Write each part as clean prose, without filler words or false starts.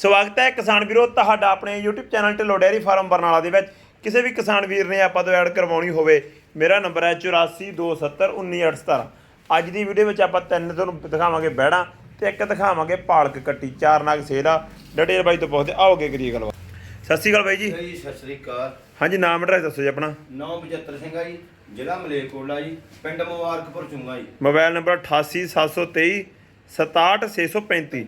ਸਵਾਗਤ ਹੈ ਕਿਸਾਨ ਵੀਰੋ ਤੁਹਾਡਾ ਆਪਣੇ YouTube channel Dhillon dairy farm Barnala ਦੇ ਵਿੱਚ। ਕਿਸੇ ਵੀ ਕਿਸਾਨ ਵੀਰ ਨੇ ਆਪਾਂ ਤੋਂ ਐਡ ਕਰਵਾਉਣੀ ਹੋਵੇ, ਮੇਰਾ ਨੰਬਰ ਹੈ 8427191817। ਅੱਜ ਦੀ ਵੀਡੀਓ ਵਿੱਚ ਆਪਾਂ ਤਿੰਨ ਤੁਹਾਨੂੰ ਦਿਖਾਵਾਂਗੇ ਬੈੜਾਂ ਤੇ ਇੱਕ ਦਿਖਾਵਾਂਗੇ ਪਾਲਕ ਕੱਟੀ। ਚਾਰ ਨਾਗ ਸੇਲ ਆ। ਡਿਟੇਲ ਬਾਈ ਤੋਂ ਪੁੱਛਦੇ ਆਓਗੇ ਕਰੀਏ ਗੱਲਬਾਤ। ਸਤਿ ਸ਼੍ਰੀ ਅਕਾਲ ਬਾਈ ਜੀ। ਜੀ ਸਤਿ ਸ਼੍ਰੀ ਅਕਾਲ। ਹਾਂਜੀ, ਨਾਮ ਐਡਰੈਸ ਦੱਸੋ ਜੀ ਆਪਣਾ। ਨਾਮ ਬਚਿੱਤਰ ਸਿੰਘ ਆ ਜੀ, ਜ਼ਿਲ੍ਹਾ ਮਲੇਰਕੋਟਲਾ ਜੀ, ਪਿੰਡ ਮੁਬਾਰਕਪੁਰ ਚੁੰਗਾ ਜੀ। Mobile number 8873 67635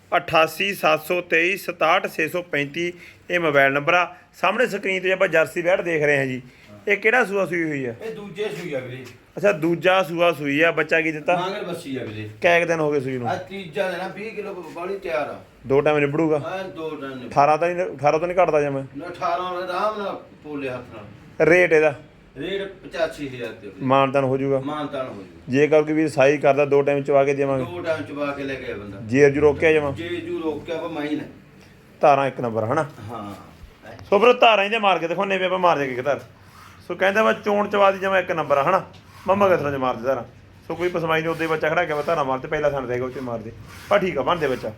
8873 67635। ਇਹ ਮੋਬਾਈਲ ਨੰਬਰ ਆ। ਸਾਹਮਣੇ ਸਕਰੀਨ ਤੇ ਆਪਾਂ ਜਰਸੀ ਬੈੜ ਦੇਖ ਰਹੇ ਹਾਂ ਜੀ। ਇਹ ਕਿਹੜਾ ਸੂਆ ਸੂਈ ਹੋਈ ਆ? ਇਹ ਦੂਜੇ ਸੂਈ ਆ ਵੀਰੇ। ਅੱਛਾ, ਦੂਜਾ ਸੂਆ ਸੂਈ ਆ। ਬੱਚਾ ਕੀ ਦਿੱਤਾ? ਮਾਂਗਰ ਬੱਸੀ ਆ ਵੀਰੇ। ਕਿੰਨੇ ਦਿਨ ਹੋ ਗਏ ਸੂਈ ਨੂੰ? ਆ ਤੀਜਾ ਦਿਨ ਆ, 20 ਕਿਲੋ ਬਾਲੀ ਤਿਆਰ ਆ। ਦੋ ਟਾਈਮ ਨਿਬੜੂਗਾ? ਹਾਂ, ਦੋ ਦਿਨ 18 ਤਾਂ ਨਹੀਂ, 18 ਤੋਂ ਨਹੀਂ ਘਟਦਾ ਜਮਾ। 18 ਆਰਾਮ ਨਾਲ ਪੋਲੇ ਹੱਥ ਨਾਲ। ਰੇਟ ਇਹਦਾ? ਰੇਟ 85000 ਤੇ ਮਾਨਤਾਨ ਹੋ ਜਾਊਗਾ? ਮਾਨਤਾਨ ਹੋ ਜੂ। ਜੇਕਰ ਕੋਈ ਵੀ ਸਾਈ ਕਰਦਾ ਦੋ ਟਾਈਮ ਚਵਾ ਕੇ ਦੇਵਾਂਗੇ? ਦੋ ਟਾਈਮ ਚਬਾ ਕੇ ਲੈ ਗਿਆ ਬੰਦਾ। ਜੇਰ ਜੂ ਰੋਕਿਆ ਜਮਾ? ਜੇ ਜੂ ਰੋਕਿਆ ਵਾ ਮਾਈ ਨੇ। ਧਾਰਾਂ ਇੱਕ ਨੰਬਰ ਹਨਾ। ਹਾਂ, ਸੋ ਫਿਰ ਧਾਰਾਂ ਇਹਦੇ ਮਾਰ ਕੇ ਦਿਖਾਉਣੇ ਵੀ ਆਪਾਂ ਮਾਰ ਜਾਗੇ ਇੱਕ ਧਾਰ। ਸੋ ਕਹਿੰਦਾ ਵਾ ਚੋਣ ਚਵਾ ਦੀ ਜਮਾ ਇੱਕ ਨੰਬਰ ਆ ਹਨਾ। ਮੰਮਾ ਕਿਸ ਤਰ੍ਹਾਂ ਚ ਮਾਰਦੇ ਧਾਰਾਂ। ਸੋ ਕੋਈ ਪਸਮਾਈ ਨਹੀਂ, ਉੱਦੇ ਬੱਚਾ ਖੜਾ ਕੇ ਧਾਰਾਂ ਮਾਰਦੇ, ਪਹਿਲਾਂ ਸਾਨੂੰ ਦੇਗਾ ਉੱਤੇ ਮਾਰਦੇ। ਪਰ ਠੀਕ ਆ, ਬਣਦੇ ਬੱਚਾ।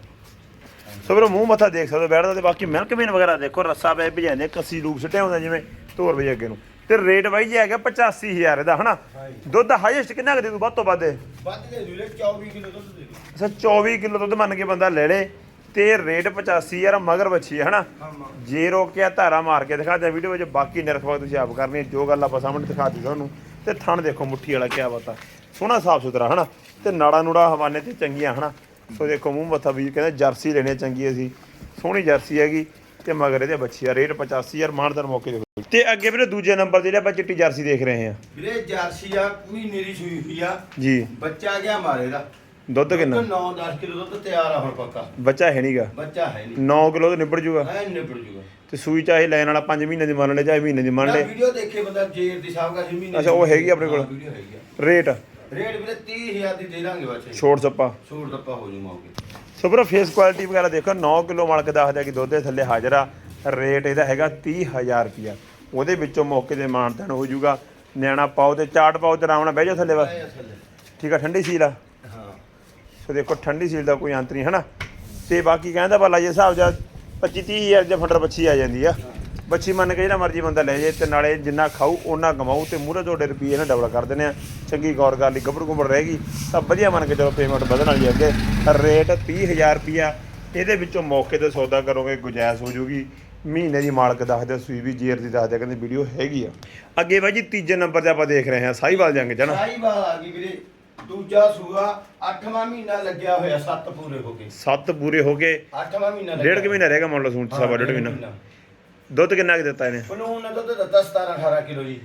ਸੋ ਫਿਰ ਮੂੰਹ ਮੱਥਾ ਦੇਖ ਸਕਦੇ ਬੈਠਦਾ। ਤੇ ਬਾਕੀ ਮਿਲਕ ਮੇਨ ਵਗੈਰਾ ਦੇਖੋ, ਰੱਸਾ ਪੈ ਭਜਾਉਂਦੇ, ਕੱਸੀ ਲੂਪ ਸੁੱਟਿਆ ਹੁੰਦਾ ਜਿਵੇਂ ਧੋਰ ਵਜੇ ਅੱਗੇ ਨੂੰ। ਤੇ ਰੇਟ ਬਾਈ ਜੀ ਹੈਗਾ 85000 ਇਹਦਾ ਹਨਾ। ਦੁੱਧ ਹਾਈਐਸਟ ਕਿੰਨਾ ਕੁ ਦੇ ਦੂ? ਵੱਧ ਤੋਂ ਵੱਧ ਵੱਧ ਦੇ ਦੂ 24 ਕਿਲੋ ਦੁੱਧ ਦੇ ਦੂ। ਅੱਛਾ, 24 ਕਿਲੋ ਦੁੱਧ ਮੰਨ ਕੇ ਬੰਦਾ ਲੈ ਲੇ। ਤੇ ਰੇਟ 85000 ਮਗਰ ਬੱਚੀ ਹੈ ਹਨਾ। ਜੇ ਰੋਕਿਆ ਧਾਰਾ ਮਾਰ ਕੇ ਦਿਖਾ ਦਿਆ ਵੀਡੀਓ ਵਿੱਚ। ਬਾਕੀ ਨਿਰਖਵਾ ਤੁਸੀਂ ਆਪ ਕਰਨੀ, ਜੋ ਗੱਲ ਆਪਾਂ ਸਾਹਮਣੇ ਦਿਖਾ ਦਿੱਤੀ ਤੁਹਾਨੂੰ। ਤੇ ਥਣ ਦੇਖੋ ਮੁੱਠੀ ਵਾਲਾ, ਕਿਆ ਬਾਤ, ਸੋਹਣਾ ਸਾਫ ਸੁਥਰਾ ਹਨਾ। ਤੇ ਨਾੜਾ ਨੂੜਾ ਹਵਾਨੇ ਤੇ ਚੰਗੀਆਂ ਹਨਾ। ਸੋ ਦੇਖੋ ਮੂੰਹ ਮੱਥਾ ਵੀਰ ਕਹਿੰਦੇ ਜਰਸੀ ਲੈਣੀ ਚੰਗੀ ਅਸੀਂ। ਸੋਹਣੀ ਜਰਸੀ ਹੈਗੀ ਤੇ ਮਗਰ ਇਹਦੇ ਬੱਚੀ ਆ। ਰੇਟ 85000 ਮਾਨਦਾਰ ਮੌਕੇ ਦੇ। ਤੇ ਅੱਗੇ ਵੀਰੇ ਦੂਜੇ ਨੰਬਰ ਜਿਹੜੇ ਆਪਾਂ ਚਿੱਟੀ ਜਰਸੀ ਦੇਖ ਰਹੇ ਹਾਂ ਵੀਰੇ, ਜਰਸੀ ਆ, ਮਹੀਨੇ ਦੀ ਸੂਈ ਹੋਈ ਆ ਜੀ। ਬੱਚਾ ਗਿਆ ਮਾਰੇ ਦਾ। ਦੁੱਧ ਕਿੰਨਾ? 9-10 ਕਿਲੋ ਦੁੱਧ ਤਿਆਰ ਆ ਹੁਣ ਪੱਕਾ। ਬੱਚਾ ਹੈ ਨਹੀਂਗਾ? ਬੱਚਾ ਹੈ ਨਹੀਂ। 9 ਕਿਲੋ ਤੋਂ ਨਿਬੜ ਜੂਗਾ? ਐ ਨਿਬੜ ਜੂਗਾ। ਤੇ ਸੂਈ ਚਾਹੇ ਲੈਣ ਵਾਲਾ 5 ਮਹੀਨੇ ਦੀ ਮੰਨ ਲੈ, ਚਾਹੇ ਮਹੀਨੇ ਦੀ ਮੰਨ ਲੈ। ਵੀਡੀਓ ਦੇਖੇ ਬੰਦਾ ਜੇਰ ਦੀ ਸਾਹਬ ਕਾ ਮਹੀਨੇ। ਅੱਛਾ, ਉਹ ਹੈਗੀ ਆਪਣੇ ਕੋਲ ਵੀਡੀਓ ਹੈਗੀ ਆ। ਰੇਟ? ਰੇਟ ਵੀਰੇ 30000 ਦੀ ਦੇ ਦਾਂਗੇ ਬੱਚੇ। ਛੋੜ ਸੱਪਾ? ਛੋੜ ਦੱਪਾ ਹੋ ਜੂ ਮੌਕੇ। ਸੋ ਵੀਰੋ ਫੇਸ ਕੁਆਲਿਟੀ ਵਗੈਰਾ ਦੇਖੋ। 9 ਕਿਲੋ ਮਾਲਕ ਦੱਸਦਾ ਕਿ ਦੁੱਧ ਦੇ ਥੱਲੇ ਹਾਜ਼ਰ ਆ। ਰੇਟ ਇਹਦਾ ਹੈਗਾ 30000 ਰੁਪਿਆ। ਉਹਦੇ ਵਿੱਚੋਂ ਮੌਕੇ ਦੇ ਮਾਨਤਾਨ ਹੋ ਜਾਊਗਾ। ਨਿਆਣਾ ਪਾਓ ਤੇ ਚਾਟ ਪਾਓ ਤੇ ਆਰਾਮ ਨਾਲ ਬਹਿ ਜਾਓ ਥੱਲੇ ਬਸ। ਠੀਕ ਆ, ਠੰਡੀ ਸੀਲ ਆ। ਹਾਂ, ਸੋ ਦੇਖੋ ਠੰਡੀ ਸੀਲ ਦਾ ਕੋਈ ਅੰਤ ਨਹੀਂ ਹਨਾ। ਤੇ ਬਾਕੀ ਕਹਿੰਦਾ ਭਲਾ ਜੇ ਹਿਸਾਬ ਜਾਂ 25-30 ਹਜ਼ਾਰ ਫੰਡਰ ਬੱਚੀ ਆ ਜਾਂਦੀ ਆ। ਬੱਚੀ ਮੰਨ ਕੇ ਜਿਹੜਾ ਮਰਜੀ ਬੰਦਾ ਲੈ ਜੇ। ਤੇ ਨਾਲੇ ਜਿੰਨਾ ਖਾਊ ਉਹਨਾਂ ਕਮਾਊ। ਤੇ ਮੂਹਰੇ ਤੁਹਾਡੇ ਰੁਪਈਏ ਨਾਲ ਡਬਲ ਕਰ ਦਿੰਦੇ ਆ। ਚੰਗੀ ਗੌਰ ਕਰ ਲਈ, ਗੱਭਰੂ ਗੁੰਬਰ ਰਹੇਗੀ ਤਾਂ ਵਧੀਆ ਮੰਨ ਕੇ ਚਲੋ ਪੇਮੈਂਟ ਵਧਣ ਵਾਲੀ ਅੱਗੇ। ਰੇਟ 30000 ਰੁਪਈਆ। ਇਹਦੇ ਵਿੱਚੋਂ ਮੌਕੇ ਤੇ ਸੌਦਾ ਕਰੋਗੇ ਗੁੰਜਾਇਸ਼ ਹੋ ਜੂਗੀ। ਮਹੀਨੇ ਦੀ ਮਾਲਕ ਦੱਸਦੇ, ਸੂਈ ਵੀ ਜੇਰ ਦੀ ਦੱਸਦੇ, ਕਹਿੰਦੇ ਵੀਡੀਓ ਹੈਗੀ ਆ। ਅੱਗੇ ਬਾਈ ਜੀ ਤੀਜੇ ਨੰਬਰ ਤੇ ਆਪਾਂ ਦੇਖ ਰਹੇ ਹਾਂ ਸਾਹੀਵਾਲ ਜੰਗ ਚ ਨਾ। ਸਾਹੀਵਾਲ ਆ ਗਈ ਵੀਰੇ। ਦੂਜਾ ਸੂਆ 8ਵਾਂ ਮਹੀਨਾ ਲੱਗਿਆ ਹੋਇਆ। 7 ਪੂਰੇ ਹੋ ਗਏ। 7 ਪੂਰੇ ਹੋ ਗਏ। 8ਵਾਂ ਮਹੀਨਾ ਡੇਢ ਕੁ ਮਹੀਨਾ ਰਹਿ ਗਿਆ ਮੰਨ ਲਓ। ਸੂਣ ਸਵਾ ਡੇਢ ਮਹੀਨਾ। ਦੁੱਧ ਕਿੰਨਾ ਕੁ ਦਿੱਤਾ ਇਹਨੇ? ਉਹਨੂੰ ਨੇ ਦੁੱਧ ਦਿੱਤਾ 17-18 ਕਿਲੋ ਜੀ।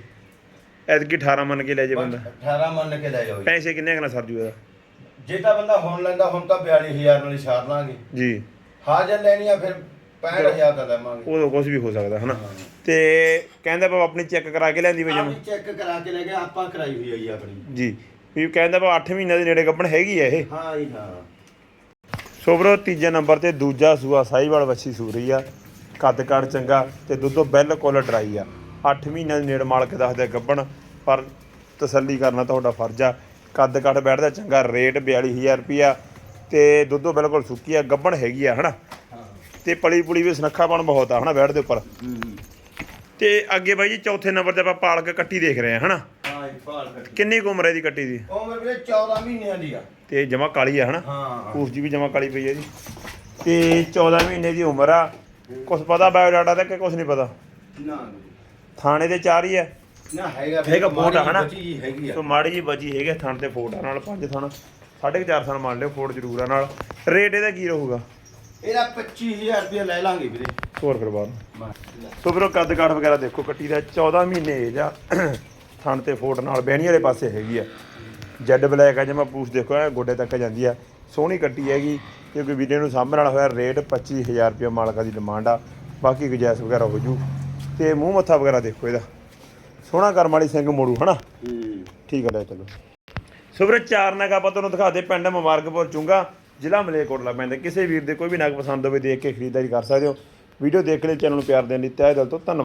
ਐਤਕੀ 18 ਮੰਨ ਕੇ ਲੈ ਜੇ ਬੰਦਾ? 18 ਮੰਨ ਕੇ ਲੈ ਜਾਓ ਜੀ। ਪੈਸੇ ਕਿੰਨੇ ਕੁ ਨਾਲ ਸਰ ਜੂ ਇਹਦਾ? ਜੇ ਤਾਂ ਬੰਦਾ ਹੁਣ ਲੈਂਦਾ, ਹੁਣ ਤਾਂ 42000 ਨਾਲ ਹੀ ਛਾੜ ਲਾਂਗੇ ਜੀ। ਹਾਜ਼ਰ ਲੈਣੀ ਆ ਫਿਰ 65000 ਦਾ ਲੈਵਾਂਗੇ। ਉਦੋਂ ਕੁਝ ਵੀ ਹੋ ਸਕਦਾ ਹਨਾ। ਤੇ ਕਹਿੰਦਾ ਬਾਬਾ ਆਪਣੀ ਚੈੱਕ ਕਰਾ ਕੇ ਲੈਂਦੀ ਵੇ ਜਮ? ਚੈੱਕ ਕਰਾ ਕੇ ਲੈ ਗਿਆ, ਆਪਾਂ ਕਰਾਈ ਹੋਈ ਆ ਜੀ ਆਪਣੀ ਜੀ। ਵੀ ਕਹਿੰਦਾ ਬਾਬਾ 8 ਮਹੀਨਿਆਂ ਦੇ ਨੇੜੇ ਗੱਭਣ ਹੈਗੀ ਆ ਇਹ। ਹਾਂ ਜੀ, ਹਾਂ। ਸੋ ਵੀਰੋ ਤੀਜੇ ਨੰਬਰ ਤੇ ਦੂਜਾ ਸੂਆ ਸਾਹੀਵਾਲ ਵੱਛੀ ਸੂ ਰਹੀ ਆ। ਕੱਦ ਕਾਠ ਚੰਗਾ ਤੇ ਦੁੱਧੋਂ ਬਿਲਕੁਲ ਡਰਾਈ ਆ। 8 ਮਹੀਨਿਆਂ ਦੇ ਨੇੜੇ ਮਾਲਕ ਦੱਸਦਾ ਗੱਭਣ। ਪਰ ਤਸੱਲੀ ਕਰਨਾ ਤੁਹਾਡਾ ਫਰਜ਼ ਆ। ਕੱਦ ਕਾਠ ਬੈਠਦਾ ਚੰਗਾ। ਰੇਟ 42000 ਰੁਪਈਆ। ਤੇ ਦੁੱਧੋਂ ਬਿਲਕੁਲ ਸੁੱਕੀ ਆ, ਗੱਭਣ ਹੈਗੀ ਆ ਹਨਾ। ਤੇ ਪਲੀ ਪੁਲੀ ਵੀ ਸੁਨੱਖਾਪਣ ਬਹੁਤ ਆ ਹਨਾ ਬੈਠ ਦੇ ਉੱਪਰ। ਤੇ ਅੱਗੇ ਬਾਈ ਜੀ ਚੌਥੇ ਨੰਬਰ ਤੇ ਆਪਾਂ ਪਾਲਕ ਕੱਟੀ ਦੇਖ ਰਹੇ ਹਾਂ ਹਨਾ। ਹਾਂ ਜੀ, ਪਾਲਕ। ਕਿੰਨੀ ਕੁ ਉਮਰ ਹੈ ਦੀ ਕੱਟੀ ਦੀ? ਉਮਰ ਵੀਰੇ 14 ਮਹੀਨਿਆਂ ਦੀ ਆ। ਤੇ ਜਮਾ ਕਾਲੀ ਆ ਹਨਾ। ਹਾਂ, ਪੂਛ ਜੀ ਵੀ ਜਮਾ ਕਾਲੀ ਪਈ ਹੈ ਜੀ। ਤੇ 14 ਮਹੀਨੇ ਦੀ ਉਮਰ ਆ। ਕੁਛ ਪਤਾ ਬਾਇਓਡਾਟਾ ਤੇ ਕਿ ਕੁਛ ਨਹੀਂ ਪਤਾ? ਨਾ ਥਾਣੇ ਦੇ 4 ਹੀ ਆ ਨਾ। ਹੈਗਾ ਫੋਟ ਆ ਹਨਾ। ਹੈਗੀ ਆ। ਸੋ ਮਾੜੀ ਜੀ ਬਚੀ ਹੈਗੇ ਥਣ ਤੇ ਫੋਟ ਆ ਨਾਲ। 5 ਥਣ 4.5 ਥਣ ਮੰਨ ਲਿਓ, ਫੋਟ ਜ਼ਰੂਰ ਆ ਨਾਲ। ਰੇਟ ਇਹਦਾ ਕੀ ਰਹੂਗਾ? ਇਹਦਾ 25000 ਰੁਪਏ ਲੈ ਲਾਂਗੇ ਵੀਰੇ। ਹੋਰ ਫਿਰ ਬਾਅਦ। ਸੋ ਵੀਰੋ ਕੱਦ ਕਾਠ ਵਗੈਰਾ ਦੇਖੋ ਕੱਟੀ ਦਾ। 14 ਮਹੀਨੇ ਏਜ ਆ। ਥਣ ਤੇ ਫੋਟ ਨਾਲ ਬਹਿਣੀ ਵਾਲੇ ਪਾਸੇ ਹੈਗੀ ਆ। ਜੈਡ ਬਲੈਕ ਆ ਜਮਾ। ਪੂਛ ਦੇਖੋ ਐ ਗੋਡੇ ਤੱਕ ਜਾਂਦੀ ਆ। ਸੋਹਣੀ ਕੱਟੀ ਹੈਗੀ। ਜੇ ਕੋਈ ਵੀਡੀਓ ਨੂੰ ਸਾਂਭਣ ਵਾਲਾ ਹੋਇਆ। ਰੇਟ 25000 ਰੁਪਏ ਮਾਲਕਾਂ ਦੀ ਡਿਮਾਂਡ ਆ। ਬਾਕੀ ਗੁੰਜਾਇਸ਼ ਵਗੈਰਾ ਹੋ ਜੂ। ਤੇ ਮੂੰਹ ਮੱਥਾ ਵਗੈਰਾ ਦੇਖੋ ਇਹਦਾ। ਸੋਹਣਾ ਕਰਮ ਵਾਲੀ ਸਿੰਘ ਮੋੜੂ ਹਨਾ। ਠੀਕ ਹੈ ਲੈ ਚਲੋ। ਸੋ ਵੀਰੇ ਚਾਰ ਨਗ ਆਪਾਂ ਤੁਹਾਨੂੰ ਦਿਖਾ ਦੇ। ਪਿੰਡ ਮੁਬਾਰਕਪੁਰ ਚੁੰਗਾ, ਜ਼ਿਲ੍ਹਾ ਮਲੇਰਕੋਟਲਾ ਪੈਂਦਾ। ਕਿਸੇ ਵੀਰ ਦੇ ਕੋਈ ਵੀ ਨਗ ਪਸੰਦ ਹੋਵੇ ਦੇਖ ਕੇ ਖਰੀਦਦਾਰੀ ਕਰ ਸਕਦੇ ਹੋ। ਵੀਡੀਓ ਦੇਖ ਕੇ ਚੈਨਲ ਨੂੰ ਪਿਆਰ ਦੇਣ ਲਈ ਤਹਿ ਦਿਲ ਤੋਂ ਧੰਨਵਾਦ।